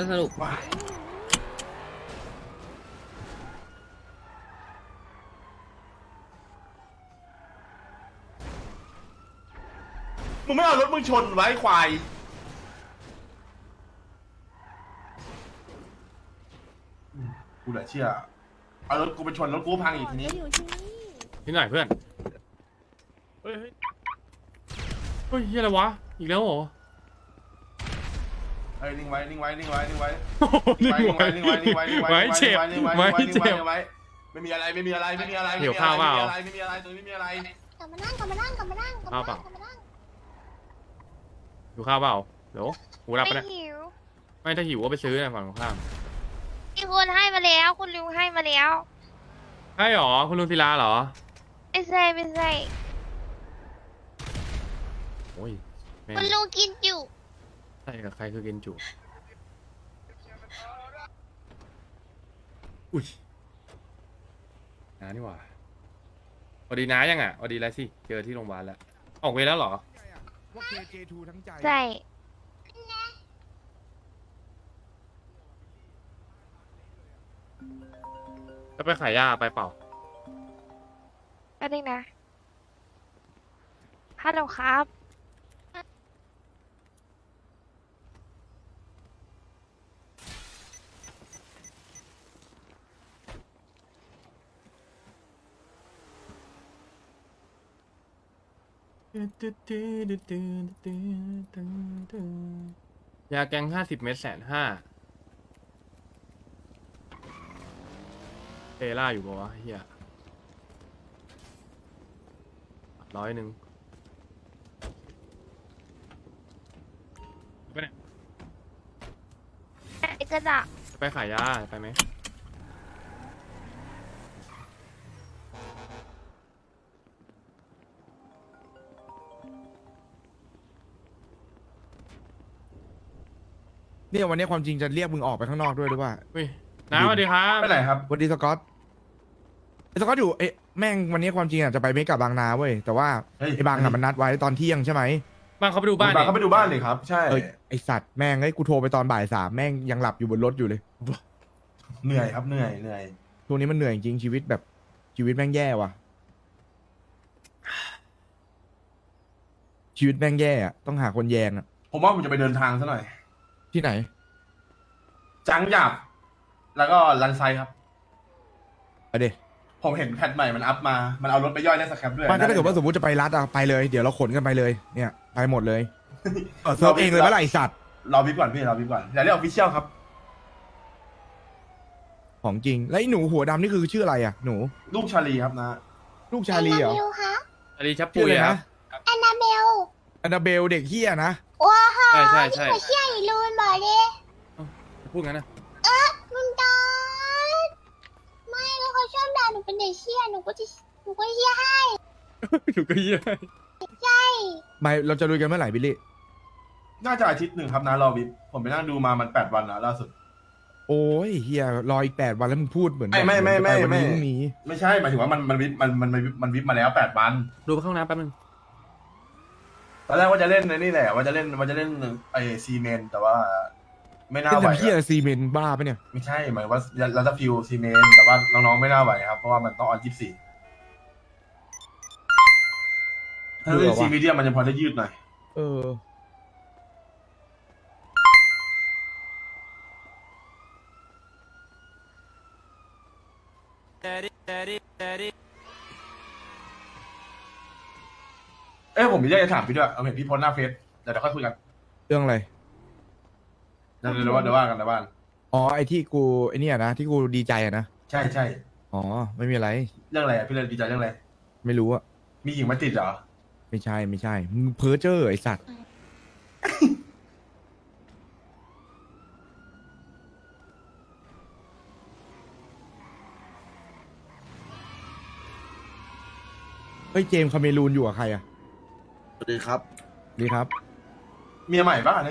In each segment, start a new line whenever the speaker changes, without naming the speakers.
สนุก
มึงไม่เอารถมึงชนไว้ควายกูเหลือเชื่อเอารถกูไปชนรถกูพังอีกทีนี้
ที่ไหนเพื่อนเฮ้ยเฮ้ยเฮียอะไรวะอีกแล้วเหรอ
เฮ้ยนิ่งไว้นิ่งไว้นิ่งไว้นิ่งไว้
นี่
นิ่งไว้นิ่งไว้นิ่งไว้นิ่งไว้
ไม่เจ็บไม่เจ็บ
ไม่มีอะไรไม่มีอะไรไม่มีอะไร
เดี๋ยวข้าวเปล่า
ไม่มีอะไรตรงนี้ไม่มีอะไร
กลับมานั่งกลับมานั่งกลับมานั่งกลับมานั่งกลับมานั่ง
อยู่ข้าวเปล่าเดี๋ยวหูรับไป
ไม่
นะ
หิว
ไม่ถ้าหิวก็ไปซื้อนะฝั่งตรงข้าม
มีคนให้มาแล้วคุณลุงให้มาแล้ว
ใช่หรอคุณลุงศิลาเหรอ
ไม่ใช่ไม่ใช่
โอ้ยแม่ง
คุณลุงกินอยู่
ใช่กับใครคือเกนจูอุ้ยน้านี่หว่าสวัสดีน้ายังอ่ะสวัสดีแล้วสิเจอที่โรงพยาบาลแล้วออกเวรแล้วเหรอ
ว่า KJ2 ทั้งใจ
ใช่
จะไปขายยาไปเปล่า
แป๊บนึงนะฮัลโหลครับ
ยาแกง50 เม็ด150,000เอล่าอยู่ปะวะเฮีย100ไปเนี่ย
ไอ้กระดาษ
จะไปขายยาไปไหม
เนี่ยวันนี้ความจริงจะเรียกมึงออกไปข้างนอกด้วยหรือว่า
อุ้ยน้าสวัสดีครับ
ไปไหนครับ
วันดีสกอตไอ้สกอตอยู่เอ๊ะแม่งวันนี้ความจริงอ่ะจะไปเมกะบางนาเว้ยแต่ว่า
เฮ้ย
ไอ้บางอ่ะมันนัดไว้ตอนเที่ยงใช่ไหม
บ้านเขาไปดูบ้าน
บ้าน
ดิ
เขาไปดูบ้านเลยครับ ใช่
เอ้ยไอสัตว์แม่งไอ้ยกูโทรไปตอนบ่ายสามแม่งยังหลับอยู่บนรถอยู่เลย
เหนื่อยครับเหนื่อยเหนื่อย
ช่วงนี้มันเหนื่อยจริงชีวิตแบบชีวิตแม่งแย่ว่ะ ชีวิตแม่งแย่อะต้องหาคนแยงอะ
ผมว่าผมจะไปเดินทางซะหน่อย
ที่ไหน
จังหยาบแล้วก็ลันไซครับ
ไปเด
ผมเห็นแพทใหม่มันอัพมา มันเอารถไปย่อยได้สแครปด้วย
มันก็ถ้าเกิดว่าสมมติจะไปรัดอะไปเลยเดี๋ยวเราขนกันไปเลยเนี่ยไปหมดเลยเซิร์ฟเองเลยเมื่อไหร่ไอ้สัตว์
รอวิปก่อนพี่รอวิปก่อนอย่าเรียกออฟฟิเชียลครับ
ของจริงแล้วไอ้หนูหัวดำนี่คือชื่ออะไรอะหนู
ลูกชาลีครับนะ
ลูกชาลีเหรอ
แอนนาเบลคะ
สวัสดีชับ
ชื่
ปุ
อย อะไร
ครั
นะ
บ
แอนนาเบล
อันนาเบลเด็กเฮียนะ
ว้าฮะ
ใช่ใช่ใช่
หัวเชี่ยอีลูนบอกเลย
พูดงั้นนะ
ลุนดอนไม่แล้วเขาชอบด่าหนูเป็นเด็กเชี่ยหนูก็เชี่ยให้
อยู่ก็เยี่ย
ไม่เราจะลุยกันเมื่อไหร่บิลลี่
น่าจะอาทิตย์หนึ่งครับนะรอวิปผมไปนั่งดูมามัน8 วันแล้วล่าสุด
โอ้ยเฮียรออีก8 วันแล้วมึงพูดเหมือน
ไม่
แบบ
ไม่
เหอนจะปวันนี้พรุ่งนี้
ไม่ใช่หมายถึงว่ามันวิปมันวิปมาแล้ว8 วัน
ดูไปเข้าห้องน้ำแป๊บนึง
ตอนแรกว่าจะเล่นในนี่แหละว่าจะเล่นไอซีเมนแต่ว่า ไม่น่า
เป็น
ไหว
ทำเฮียซีเมนต์บ้าปะเนี่ย
ไม่ใช่หมายว่าเราจะฟิวซีเมนแต่ว่าน้องๆไม่น่าไหวครับเพราะว่ามันต้องออน24ถ้าเล่นซีมีเดียมันจะพอได้ยืดหน่อย
เออ
ผมมีเรื่องจะถามพี่ด้วยเอาเห็นพี่โพสต์หน้าเฟซเดี๋ยวค่อยคุยกัน
เรื่องอะไร
เดี๋ยวว่ากันในบ้าน
อ๋อไอที่กูไอเนี่ยนะที่กูดีใจอะนะ
ใช่ใช่
อ๋อไม่มีอะไร
เรื่องอะไรอะพี่เลยดีใจเรื่องอะไร
ไม่รู้อะ
มีหญิงมาติดเหรอ
ไม่ใช่ไม่ใช่มึงเพ้อเจ้อไอสัตว์ เฮ้ยเจมส์คาเมรูนอยู่กับใครอะ
สวัสดีครับ
ดีครับ
เมียใหม่ป่ะเนี่ย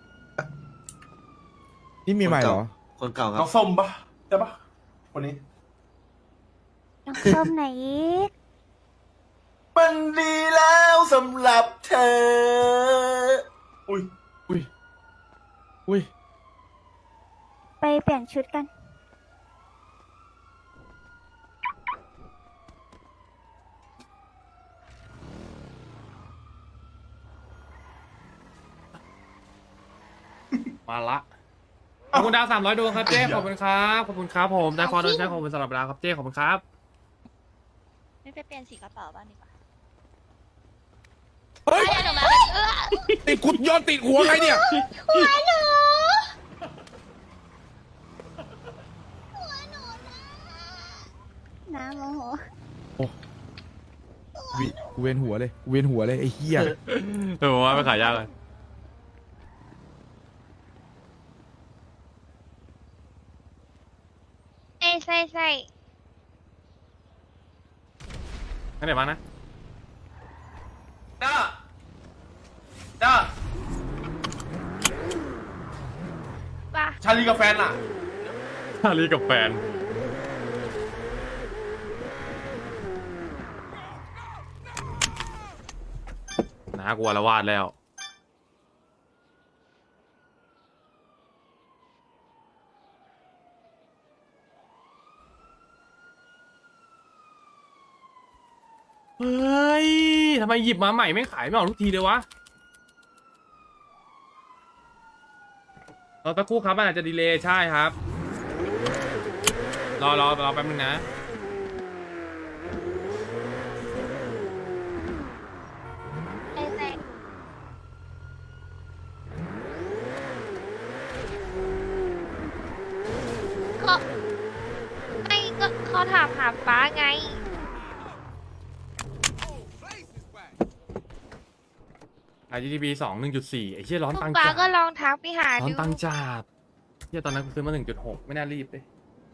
นี่มีใหม่เหรอ
คนเก่าครั
น้
บ
องส้มป่ะใช่ป่ะคนนี้
น้องส้มไหนอีก
มันดีแล้วสำหรับเธอ อุ้ย
อุ้ยอุ้ย
ไปเปลี่ยนชุดกัน
มาละขอบคุณดาว300 ดวงครับเจ๊ขอบคุณครับขอบคุณครับผมได้ฟอร์ดโดนใช้ขอบคุณสำหรับดาวครับเจ๊ขอบคุณครับ
ไม่ไปเปลี่ยนสีกระเป๋าบ้างดีกว่า
เฮ้ย
หนูมา
ติดกุดย้อนติดหัวไงเนี่ย
หัวหนูน้ำโมโห
กูเวียนหัวเลยกูเวียนหัวเลยไอ้เหี้ย
ผมว่าไปขายยากเลย
ใช่
งั้นเดี๋ยวมานะ
จ้าจ้า
ป่ะ
ชาลีกับแฟนอ่ะ
ชาลีกับแฟนน่ากลัวละวาดแล้วเฮ้ยทำไมหยิบมาใหม่ไม่ขายไม่ออกทุกทีเลยวะรอสักครู่ครับมันอาจจะดีเลย์ใช่ครับรอแป๊บนึงนะ
ใช่ก็ไม่ก็เขาถามหาป้าไง
GTB 2 1.4 ไอ้เชี่ยร้อน
พว
ตั
ก
ง
ป้า
จัด
ก็ลองทักไปหา
ร้อน
ดู
ตังจัดเชี่ยตอนนั้นกูซื้อมา 1.6 ไม่น่ารีบเลย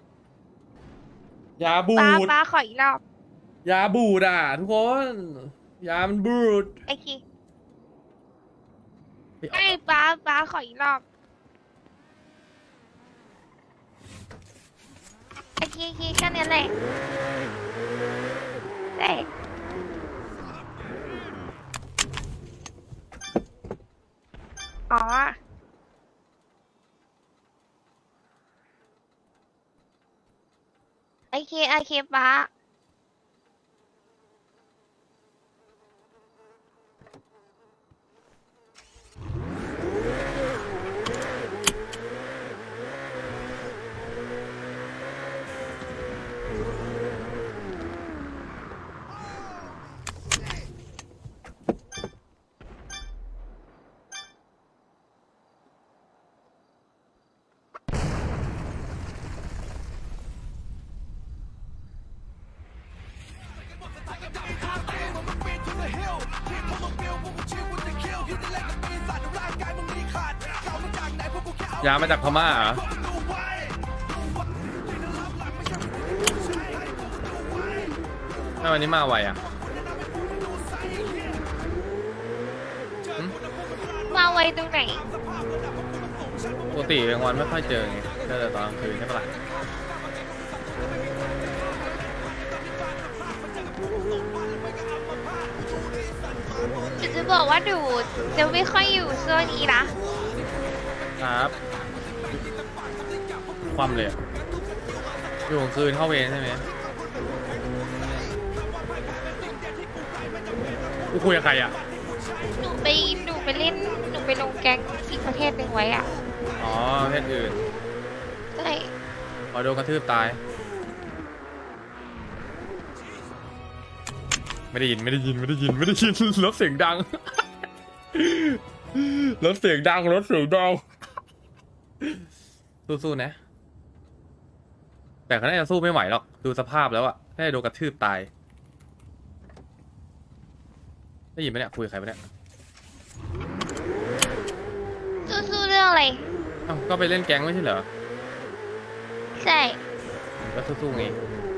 ยาบู
ป้า
ด
ขออีกรอบ
ยาบูดอ่ะทุกคน ยามันบูด
ไอ้คี
เฮ้ย
ไม่ป้าขออีกรอบไอ้คีแค่นี้แหละใช่อ๋อไอเคป้า
ยามาจากพม่าเหรอทำไมวันนี้มาไวอ่ะหึ
มาไวตรงไหน
ปกติกลางวันไม่ค่อยเจอไงเจอแต่ตอนกลางคืนใช่ปะล่ะ
จะบอกว่าดูจะไม่ค่อยอยู่โซนนี้นะครับ
ความเลยอะอยู่กลางคืนเข้าเวรใช่ไหมกูคุยกับใครอ่ะ
หนูไปเล่นหนูไปลงแก๊งอีกประเทศหนึ่งไว้อ่ะ
อ๋อประเทศอื่น
ใช่
พอโดนกระทืบตาย ไม่ได้ยินรถเสียงดัง รถเสียงดังสู้ๆนะ แต่เขาน่าจะสู้ไม่ไหวหรอก ดูสภาพแล้วอะน่าจะโดนกระทืบตาย ได้ยินไหมเนี่ยคุยกับใครปะเนี่ย
สู้เรื่องอะไร
อ้าวก็ไปเล่นแก๊งไม่ใช่เหรอ
ใช่
ก็สู้ๆไง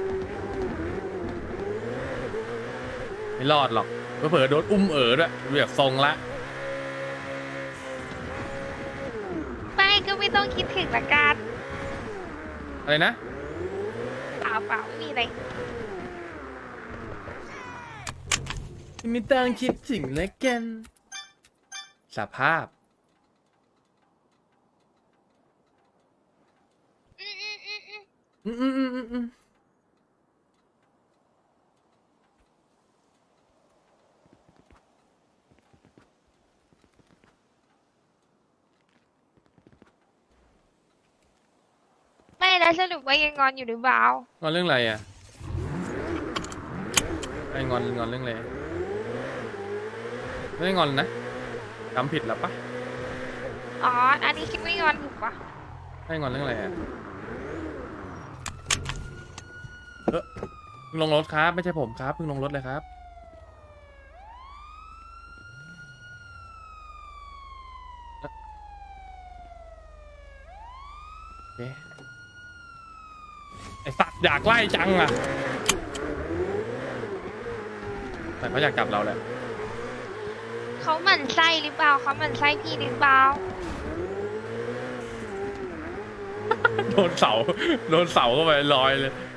ไม่รอดหรอกเผลอๆโดนอุ้มด้วยเรียกทรงละ
ไม่ก็ไม่ต้องคิดถึงละกัน
อะไรนะ
เปล่าไม่มีอะไร
ไม่ต้องคิดถึงแล้วกันสภาพอืมอืมอืมอืมอืม
ไม่แล้วสรุปว่ายังงอนอยู่หรือเปล่าง
อนเรื่องอะไรอ่ะไอ้งอนเรื่องอะไรไม่ได้งอนนะจำผิดแล้วปะ
อ๋ออันนี้คิดไม่งอนถูกปะ
ไอ้งอนเรื่องอะไรอ่ะเพิ่งลงรถครับไม่ใช่ผมครับเพิ่งลงรถเลยครับโอเคไอสัตว์อยากไล่จังอ่ะแต่เขาอยากจับเราแหละ
เขาหมั่นไส้หรือเปล่าเขาหมั่นไส้พี่หรือเปล่า
โดนเสาเข้าไปลอยเลย